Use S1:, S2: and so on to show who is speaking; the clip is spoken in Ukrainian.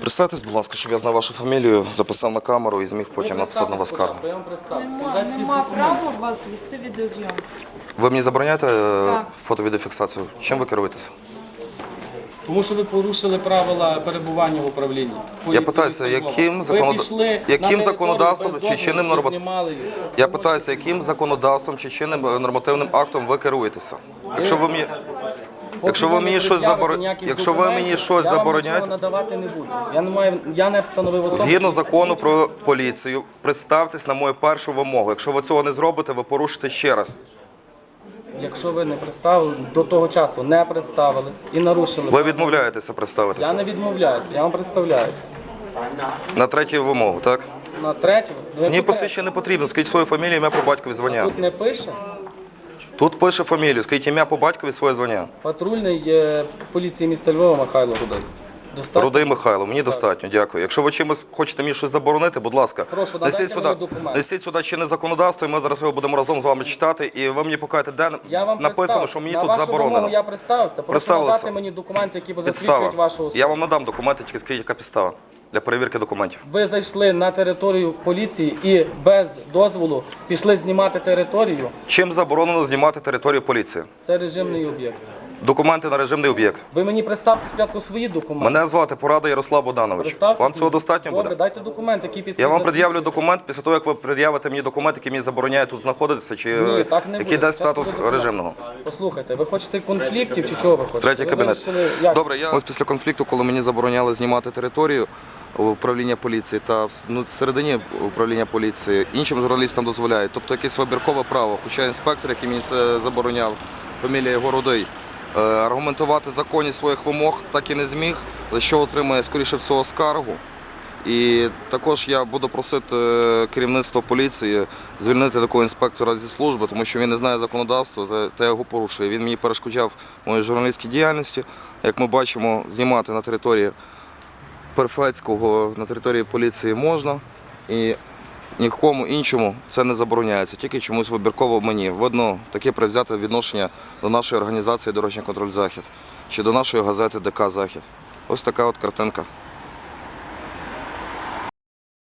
S1: Представтесь, будь ласка, щоб я знав вашу фамілію, записав на камеру і зміг потім написати на вас скаргу.
S2: Я вам представлю.
S3: Нема права вас вести відеозйомку.
S1: Ви мені забороняєте
S3: Так.
S1: фото-відеофіксацію? Чим ви керуєтеся?
S2: Тому що ви порушили правила перебування в управлінні.
S1: Я питаюся, яким законодавством чи чинним Я питаюся, яким законодавством чи чинним нормативним актом ви керуєтеся? Якщо ви мені щось забороняєте,
S2: надавати не буду. Я не встановив особу.
S1: згідно закону про поліцію, представтесь на мою першу вимогу. Якщо ви цього не зробите, ви порушите ще раз.
S2: Якщо ви не представили, до того часу не представились і нарушили.
S1: Ви відмовляєтеся
S2: Я
S1: представитися.
S2: не відмовляюсь, я вам представляюсь.
S1: На третю вимогу, так?
S2: На третю.
S1: Мені посвідчення не потрібно. Скажіть свою фамілію, ім'я по батькові, звання.
S2: Тут не пише.
S1: Тут пише фамілію, скажіть ім'я по батькові, своє звання.
S2: Патрульний поліції міста Львова Михайло Рудой. Достатньо?
S1: Рудий Михайло, мені достатньо, дякую. Якщо ви чимось хочете мені щось заборонити, будь ласка,
S2: Прошу, надайте мені документи.
S1: несіть сюди чинне законодавство, і ми зараз його будемо разом з вами читати, і ви мені покажете, де
S2: Я вам
S1: написано,
S2: представився.
S1: що мені
S2: На
S1: тут
S2: вашу
S1: заборонено.
S2: вимогу я представився. Прошу
S1: Представилися.
S2: надати мені документи, які
S1: Підстава.
S2: засвідчують вашу особу.
S1: Я вам надам документи, тільки скажіть, яка підстава для перевірки документів.
S2: Ви зайшли на територію поліції і без дозволу пішли знімати територію.
S1: Чим заборонено знімати територію поліції?
S2: Це режимний об'єкт.
S1: Документи на режимний об'єкт.
S2: Ви мені представте спочатку свої документи.
S1: Мене звати Порада Ярослав Богданович.
S2: Представте
S1: Вам
S2: свої.
S1: цього достатньо
S2: Добре,
S1: буде?
S2: дайте документ, який підсвітить.
S1: Я вам пред'явлю документ після того, як ви пред'явите мені документ, який мені забороняє тут знаходитися, чи
S2: Ні, так не
S1: який
S2: буде.
S1: дасть
S2: Спочатку
S1: статус
S2: буде документ.
S1: режимного.
S2: Послухайте, ви хочете конфліктів чи чого ви хочете?
S1: Третій
S2: Ви
S1: кабінет.
S2: вирішили, як?
S1: Добре, ось після конфлікту, коли мені забороняли знімати територію управління поліції та всередині управління поліції, іншим журналістам дозволяють. Тобто якесь вибіркове право. Хоча інспектор, який мені це забороняв, фамілія його Рудий, аргументувати законність своїх вимог так і не зміг, за що отримає, скоріше всього, скаргу. І також я буду просити керівництво поліції звільнити такого інспектора зі служби, тому що він не знає законодавства та його порушує. Він мені перешкоджав моїй журналістській діяльності. Як ми бачимо, знімати на території Перфецького, на території поліції можна. І нікому іншому це не забороняється, тільки чомусь вибірково мені. Видно, таке привзяте відношення до нашої організації «Дорожній контроль Захід» чи до нашої газети ДК Захід. Ось така от картинка.